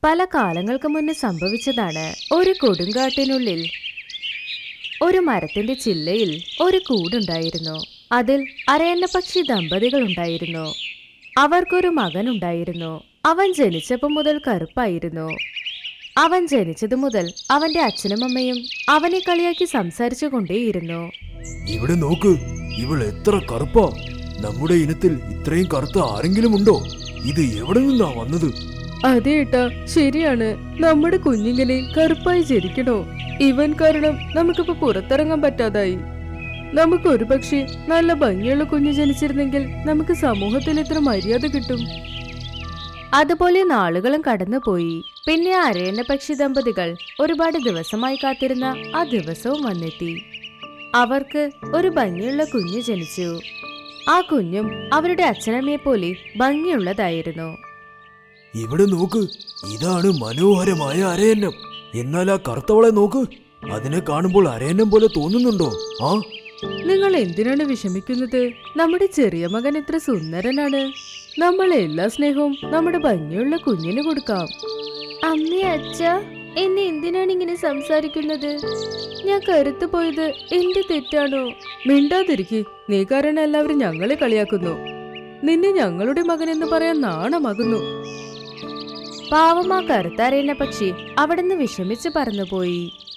പല കാലങ്ങൾക്ക് മുന്നേ സംഭവിച്ചതാണ്. ഒരു കൊടുങ്കാട്ടിനുള്ളിൽ ഒരു മരത്തിന്റെ ചില്ലയിൽ ഒരു കൂടുണ്ടായിരുന്നു. അതിൽ അരയന്ന പക്ഷി ദമ്പതികൾ ഉണ്ടായിരുന്നു. അവർക്കൊരു മകനുണ്ടായിരുന്നു. അവൻ ജനിച്ചപ്പോൾ മുതൽ കറുപ്പായിരുന്നു. അവൻ ജനിച്ചതു മുതൽ അവന്റെ അച്ഛനും അമ്മയും അവനെ കളിയാക്കി സംസാരിച്ചു കൊണ്ടേയിരുന്നു. ഇവിടെ നോക്ക്, ഇവൾ എത്ര കറുപ്പാ! നമ്മുടെ ഇനത്തിൽ ഇത്രയും കറുത്ത ആരെങ്കിലും ഉണ്ടോ? ഇത് എവിടെ നിന്നാ വന്നത്? അതെ ഏട്ടാ, ശരിയാണ്. നമ്മുടെ കുഞ്ഞിങ്ങനെ കറുപ്പായി ജനിക്കണോ? ഇവൻ കാരണം നമുക്കിപ്പോ പുറത്തിറങ്ങാൻ പറ്റാതായി. നമുക്ക് ഒരു പക്ഷേ നല്ല ഭംഗിയുള്ള കുഞ്ഞ് ജനിച്ചിരുന്നെങ്കിൽ നമുക്ക് സമൂഹത്തിൽ എത്ര മര്യാദ കിട്ടും. അതുപോലെ നാളുകളും കടന്നുപോയി. പിന്നെ അരയന്ന പക്ഷി ദമ്പതികൾ ഒരുപാട് ദിവസമായി കാത്തിരുന്ന ആ ദിവസവും വന്നെത്തി. അവർക്ക് ഒരു ഭംഗിയുള്ള കുഞ്ഞ് ജനിച്ചു. ആ കുഞ്ഞും അവരുടെ അച്ഛനമ്മയെ പോലെ ഭംഗിയുള്ളതായിരുന്നു. ഇവിടെ നോക്ക്, ഇതാണ് മനോഹരമായ അരയന്നം. എന്നാൽ ആ കറുത്തവളെ നോക്ക്, അതിനെ കാണുമ്പോൾ അരയന്നം പോലെ തോന്നുന്നുണ്ടോ? ആ, നിങ്ങൾ എന്തിനാണ് വിഷമിക്കുന്നത്? നമ്മുടെ ചെറിയ മകൻ എത്ര സുന്ദരനാണ്. നമ്മൾ എല്ലാ സ്നേഹവും നമ്മുടെ ഭംഗിയുള്ള കുഞ്ഞിന് കൊടുക്കാം. അമ്മേ, അച്ഛ, എന്നെ എന്തിനാണ് ഇങ്ങനെ സംസാരിക്കുന്നത്? ഞാൻ കരുത്തു പോയത് എന്റെ തെറ്റാണോ? മിണ്ടാതിരിക്കെ, നീ കാരണം എല്ലാവരും ഞങ്ങളെ കളിയാക്കുന്നു. നിന്നെ ഞങ്ങളുടെ മകൻ എന്ന് പറയാൻ നാണമാകുന്നു. പാവമാ കറുത്തറിയുന്ന പക്ഷി അവിടുന്ന് വിഷമിച്ച് പറന്നുപോയി.